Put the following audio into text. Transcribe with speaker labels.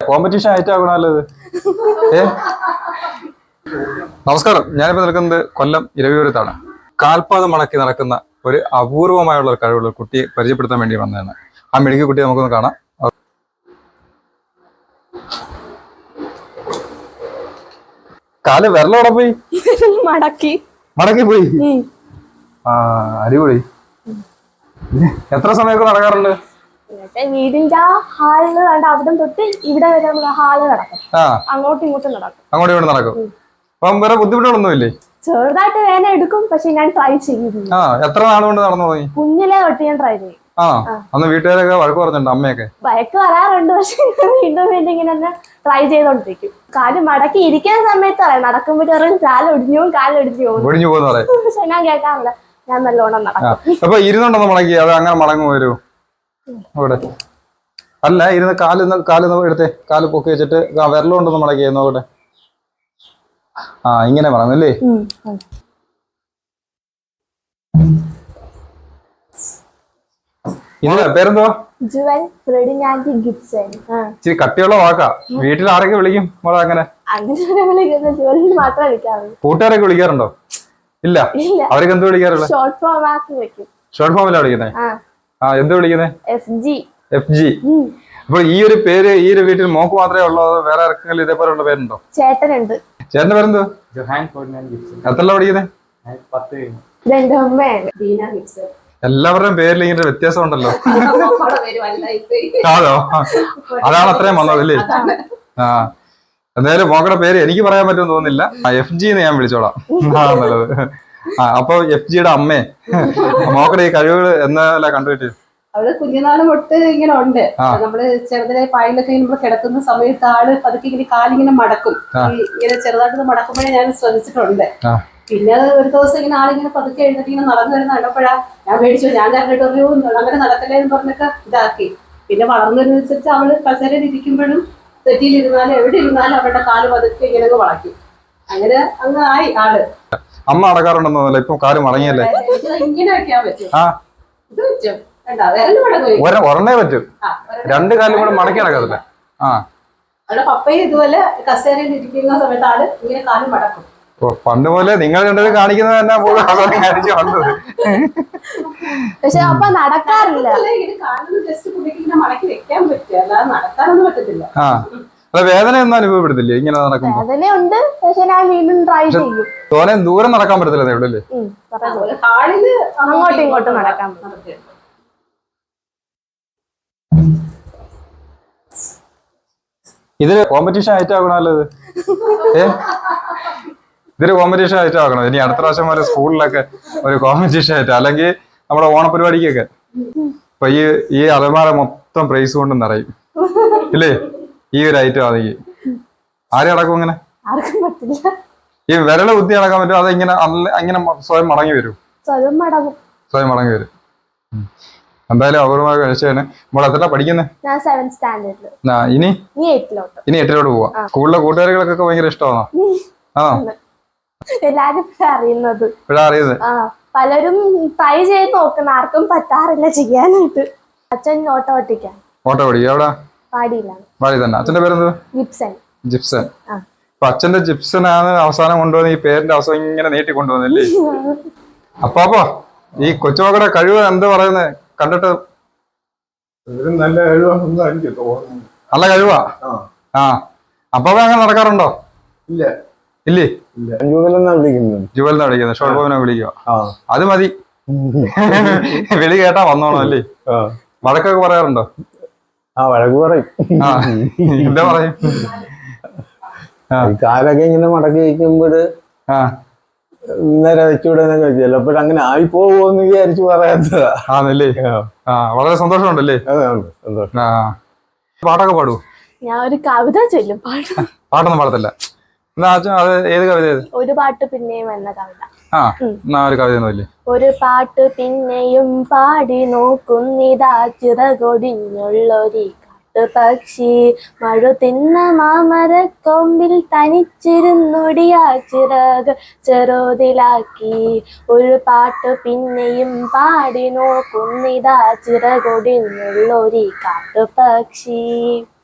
Speaker 1: Competition ആയിട്ട് ആകണല്ലോ ഇത്. നമസ്കാരം, ഞാനിപ്പോ നിൽക്കുന്നത് കൊല്ലം ഇരവിപുരത്താണ്. കാൽപാദം മടക്കി നടക്കുന്ന ഒരു അപൂർവമായുള്ള ഒരു കഴിവുള്ള കുട്ടിയെ പരിചയപ്പെടുത്താൻ വേണ്ടി വന്നതാണ്. ആ മിടുക്കി കുട്ടിയെ നമുക്കൊന്ന് കാണാം. കാല് വിരലോടെ പോയി മടക്കി പോയി. ആ, അടിപൊളി. എത്ര സമയമൊക്കെ നടക്കാറുണ്ട്?
Speaker 2: വീടിന്റെ ഹാളിൽ അവിടെ തൊട്ട് ഇവിടെ വരെ ഹാള് നടക്കും. അങ്ങോട്ടും ഇങ്ങോട്ടും
Speaker 1: നടക്കും. അപ്പം വേറെ ബുദ്ധിമുട്ടുകളൊന്നുമില്ലേ?
Speaker 2: ചെറുതായിട്ട് വേന എടുക്കും, പക്ഷെ ഞാൻ ട്രൈ ചെയ്യും.
Speaker 1: എത്ര നാളുകൊണ്ട് നടന്നു പോയി?
Speaker 2: കുഞ്ഞിലെ തൊട്ട് ഞാൻ ട്രൈ ചെയ്യും.
Speaker 1: അന്ന് വീട്ടുകാരൊക്കെ വഴക്ക് പറഞ്ഞിട്ടുണ്ട്, അമ്മയൊക്കെ
Speaker 2: വഴക്ക് വരാറുണ്ട്. പക്ഷെ വീണ്ടും ഇങ്ങനെ ട്രൈ ചെയ്തോണ്ടിരിക്കും. കാല് മടക്കി ഇരിക്കുന്ന സമയത്ത് പറയാം, നടക്കുമ്പോഴേക്കും കാലൊടിഞ്ഞു
Speaker 1: പോകുന്ന
Speaker 2: പക്ഷെ ഞാൻ കേൾക്കാറില്ല. ഞാൻ നല്ലോണം നടക്കും.
Speaker 1: അപ്പൊ ഇരുന്നുണ്ടെന്ന് മടക്കി അത് അങ്ങനെ മടങ്ങു വരൂ അവിടെ? അല്ല, ഇരുന്ന് കാല് എടുത്തേ, കാല് പൊക്കി വെച്ചിട്ട് വിരലുകൊണ്ടൊന്ന് മടക്കി നോക്കട്ടെ. ഇങ്ങനെ പറഞ്ഞല്ലേ? ഇല്ല, പേരെന്തുവാ?
Speaker 2: ജുവൽ ഫ്രെഡിനാൻഡി ഗിബ്സൺ.
Speaker 1: ഇച്ചിരി കട്ടിയുള്ള വാക്കാ. വീട്ടിൽ ആരൊക്കെ വിളിക്കും മോളെ? അങ്ങനെ കൂട്ടുകാരൊക്കെ വിളിക്കാറുണ്ടോ? ഇല്ല, അവരൊക്കെ എന്ത് വിളിക്കാറുള്ള? ഷോർട്ട് ഫോമിലാണ് വിളിക്കുന്നത്. എന്ത് വിളിക്കുന്നത്? FG. അപ്പൊ ഈ ഒരു പേര് ഈ ഒരു വീട്ടിൽ മോക്ക് മാത്രമേ ഉള്ളൂ, വേറെ ആർക്കെങ്കിലും ഇതേപോലെയുള്ള പേരുണ്ടോ?
Speaker 2: ചേട്ടനുണ്ട്.
Speaker 1: ചേട്ടന്റെ പേരെന്തോ? എത്രല്ല പഠിക്കുന്നത്? എല്ലാവരുടെയും പേരിൽ ഇങ്ങനെ വ്യത്യാസം ഉണ്ടല്ലോ. അതോ? അതാണ് അത്രയും വന്നത് അല്ലേ? എന്തായാലും മോക്കടെ പേര് എനിക്ക് പറയാൻ പറ്റുമെന്ന് തോന്നുന്നില്ല. FG എന്ന് ഞാൻ വിളിച്ചോളാം. നല്ലത്. അപ്പൊ FGയുടെ അമ്മേ, മോക്കടെ ഈ കഴിവുകൾ എന്നല്ല കണ്ടുകിട്ടി?
Speaker 3: അവള് കുഞ്ഞുനാള് തൊട്ട് ഇങ്ങനെ ഉണ്ട്. നമ്മള് ചെറുതിലെ പായലൊക്കെ നമ്മൾ കിടക്കുന്ന സമയത്ത് ആള് പതുക്കെ ഇങ്ങനെ കാലിങ്ങനെ മടക്കും. ഇങ്ങനെ ചെറുതായിട്ട് മടക്കുമ്പോഴേ ഞാൻ ശ്രദ്ധിച്ചിട്ടുണ്ട്. പിന്നെ ഒരു ദിവസം ഇങ്ങനെ ആളിങ്ങനെ പതുക്കെ എഴുന്നേറ്റ് ഇങ്ങനെ നടന്നു വരുന്ന കണ്ടപ്പോഴാ ഞാൻ മേടിച്ചു. ഞാൻ കണ്ടിട്ട് ഒരു അങ്ങനെ നടക്കല്ലേ എന്ന് പറഞ്ഞൊക്കെ ഇതാക്കി. പിന്നെ വളർന്നു വരുന്നതനുസരിച്ച് അവള് കസേരയിൽ ഇരിക്കുമ്പോഴും തെറ്റിയിലിരുന്നാലും എവിടെ ഇരുന്നാലും അവരുടെ കാല് പതുക്കെ ഇങ്ങനെ വളയ്ക്കും. അങ്ങനെ അങ്ങ് ആയി ആള്.
Speaker 1: അമ്മ അടക്കാറുണ്ടെന്നല്ല, ഇപ്പൊ കാല് മടങ്ങിയല്ലേ?
Speaker 3: ഇങ്ങനെ വെക്കാൻ പറ്റും. ഇത് പറ്റും.
Speaker 1: ഒരെണ്ണേ പറ്റും, രണ്ട് കാലും കൂടെ മടക്കി നടക്കത്തില്ല.
Speaker 3: അവിടെ പപ്പയും ഇതുപോലെ കസേരയിൽ ഇരിക്കുന്ന സമയത്ത് ആള് ഇങ്ങനെ കാലും മടക്കും.
Speaker 1: പണ്ട് പോലെ നിങ്ങൾ രണ്ടത് കാണിക്കുന്നത് തന്നെ വന്നത്.
Speaker 2: പക്ഷെ അപ്പൊ നടക്കാറില്ല.
Speaker 3: മടക്കി വെക്കാൻ പറ്റും, അല്ലാതെ നടക്കാനൊന്നും പറ്റത്തില്ല.
Speaker 1: വേദന ഒന്നും അനുഭവപ്പെടുത്തില്ലേ ഇങ്ങനെ നടക്കുമ്പോ?
Speaker 2: വേദനയുണ്ട്, പക്ഷെ ഞാൻ വീണ്ടും ട്രൈ ചെയ്യും.
Speaker 1: തോനെ ദൂരം നടക്കാൻ പറ്റത്തില്ല ഇവിടെ അല്ലേ?
Speaker 3: ഹാളില്
Speaker 2: അങ്ങോട്ടും ഇങ്ങോട്ടും നടക്കാൻ പറ്റും.
Speaker 1: ഇതൊരു കോമ്പറ്റീഷൻ ആയിട്ട് ആകണമല്ലോ ഇത്. ഇതൊരു കോമ്പറ്റീഷൻ ആയിട്ട് ആകണം. ഇനി അടുത്ത പ്രാവശ്യം പോലെ സ്കൂളിലൊക്കെ ഒരു കോമ്പറ്റീഷൻ ആയിട്ട്, അല്ലെങ്കിൽ നമ്മുടെ ഓണപരിപാടിക്കൊക്കെ. അപ്പൊ ഈ അലമാര മൊത്തം പ്രൈസ് കൊണ്ട് നിറയും ഇല്ലേ ഈ ഒരു ഐറ്റം ആണെങ്കിൽ? ആരും അടക്കും ഇങ്ങനെ? ഈ വിരള ബുദ്ധി അടക്കാൻ പറ്റും? അത് ഇങ്ങനെ സ്വയം മടങ്ങി വരും. സ്വയം മടങ്ങി വരും. എന്തായാലും അപൂർവമായ കഴിച്ചാണ്. നമ്മൾ എത്ര പഠിക്കുന്നത്? ഇനി 8ിലോട്ട് പോവാ. സ്കൂളിലെ കൂട്ടുകാരികളൊക്കെ ഭയങ്കര ഇഷ്ടമാണോ?
Speaker 2: എല്ലാരും അറിയുന്നത്.
Speaker 1: പലരും
Speaker 2: ട്രൈ ചെയ്ത് നോക്കുന്ന, ആർക്കും പറ്റാറില്ല ചെയ്യാനായിട്ട്. അച്ഛൻ ഓട്ടോ ഓടിക്കും.
Speaker 1: എവിടെ? പാടി തന്നെ. അച്ഛന്റെ പേരെന്ത്? ജിപ്സൺ. അപ്പൊ അച്ഛന്റെ ജിപ്സനാണ് അവസാനം കൊണ്ടുവന്ന് ഈ പേരിന്റെ അവസാനം ഇങ്ങനെ നീട്ടി കൊണ്ടുവന്നല്ലേ? അപ്പൊ ഈ കൊച്ചുമക്കളുടെ കഴിവ് എന്താ പറയുന്നത് കണ്ടിട്ട്?
Speaker 4: നല്ല കഴിവാണെന്ന് എനിക്ക് തോന്നുന്നു.
Speaker 1: നല്ല കഴിവാ. അപ്പൊ അങ്ങനെ നടക്കാറുണ്ടോ? ഇല്ലേ? ജുവൽ വിളിക്കുന്നത്. ഷോർട്ട് ഫോമിനെ വിളിക്കുക. അത് മതി. വിളി കേട്ടാ വന്നോളൂ അല്ലേ? വഴക്കൊക്കെ പറയാറുണ്ടോ?
Speaker 4: വഴക്ക് പറയും.
Speaker 1: എന്താ പറയും?
Speaker 4: കാലൊക്കെ ഇങ്ങനെ മടക്കി വയ്ക്കുമ്പോഴ് നേരെ വെച്ചുവിടാനൊക്കെ ചിലപ്പോഴങ്ങനെ ആയി പോകുമെന്ന് വിചാരിച്ചു പറയാത്തതാ.
Speaker 1: ആണല്ലേ? വളരെ സന്തോഷമുണ്ടല്ലേ? പാട്ടൊക്കെ പാടുവോ?
Speaker 2: ഞാൻ ഒരു കവിത ചൊല്ലും.
Speaker 1: പാട്ടൊന്നും പാടത്തില്ല. അത് ഏത് കവിത?
Speaker 2: ഒരു പാട്ട് പിന്നെയും എന്ന കവിത.
Speaker 1: ഒരു കവിത.
Speaker 2: ഒരു പാട്ട് പിന്നെയും പാടി നോക്കുന്നിതാ ചിറകൊടിഞ്ഞുള്ളൊരു പക്ഷി മഴ തിന്ന മാമരക്കൊമ്പിൽ തനിച്ചിരുന്നൊടിയാ ചിറക് ചെറുതിലാക്കി. ഒരു പാട്ട് പിന്നെയും പാടി നോക്കുന്നിതാ ചിറകൊടിഞ്ഞുള്ളൊരു കാട്ടുപക്ഷി.